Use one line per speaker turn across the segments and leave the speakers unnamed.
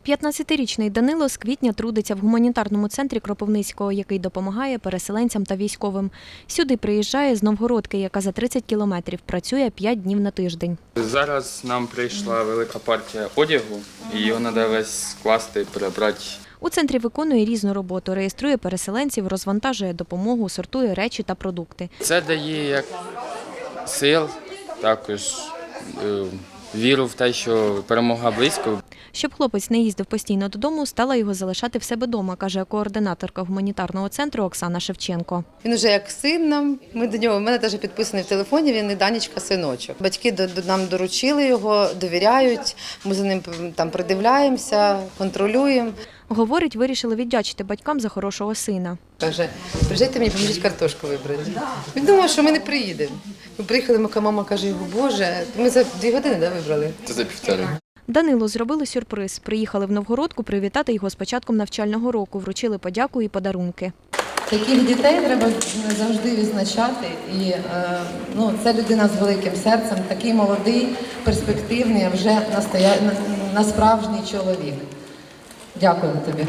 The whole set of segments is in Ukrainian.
15-річний Данило з квітня трудиться в гуманітарному центрі Кропивницького, який допомагає переселенцям та військовим. Сюди приїжджає з Новгородки, яка за 30 кілометрів, працює 5 днів на тиждень.
Зараз нам прийшла велика партія одягу, і його треба весь скласти, перебрати.
У центрі виконує різну роботу, реєструє переселенців, розвантажує допомогу, сортує речі та продукти.
Це дає як сил, також віру в те, що перемога близько.
Щоб хлопець не їздив постійно додому, стала його залишати в себе вдома, каже координаторка гуманітарного центру Оксана Шевченко.
Він вже як син нам, ми до нього, в мене теж підписаний в телефоні, він і Данечка, синочок. Батьки нам доручили його, довіряють, ми за ним там придивляємося, контролюємо.
Говорить, вирішили віддячити батькам за хорошого сина.
Каже, приїжджайте мені, поможіть картошку вибрати. Він думав, що ми не приїдемо. Ми приїхали, моя мама каже, його, Боже, ми за 2 години вибрали.
Це за півтори.
Данилу зробили сюрприз. Приїхали в Новгородку привітати його з початком навчального року, вручили подяку і подарунки.
Таких дітей треба завжди відзначати. І це людина з великим серцем, такий молодий, перспективний, а вже насправжній чоловік. Дякую тобі.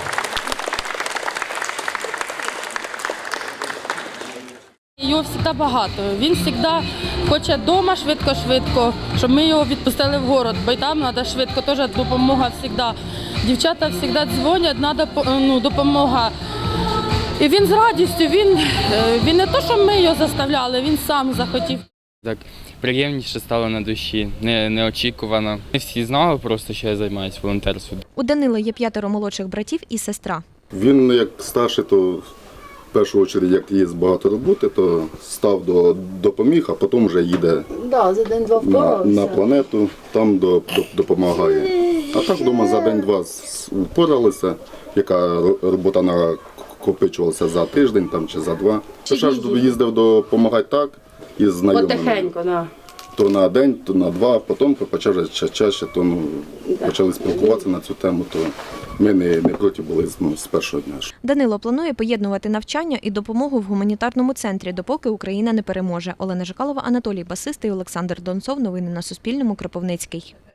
Його завжди багато. Він завжди хоче вдома швидко-швидко, щоб ми його відпустили в город, бо й там треба швидко, теж допомога завжди. Дівчата завжди дзвонять, треба допомога. І він з радістю, він не те, що ми його заставляли, він сам захотів.
Так приємніше стало на душі, неочікувано. Не всі знали просто, що я займаюся волонтерством.
У Данила є 5 молодших братів і сестра.
Він як старший, то в першу чергу, як є багато роботи, то став допоміг, а потім вже їде
За день-два
на планету, там допомагає. А так вдома за день-два впоралися, яка робота накопичувалася за тиждень там, чи за 2. Ще ж їздив допомагати так із знайомими.
Потихеньку, да.
То на день, то на 2, потім почали чаще, то почали спілкуватися на цю тему, то ми не проти були з першого дня.
Данило планує поєднувати навчання і допомогу в гуманітарному центрі, допоки Україна не переможе. Олена Жикалова, Анатолій Басистий, Олександр Донцов. Новини на Суспільному. Кропивницький.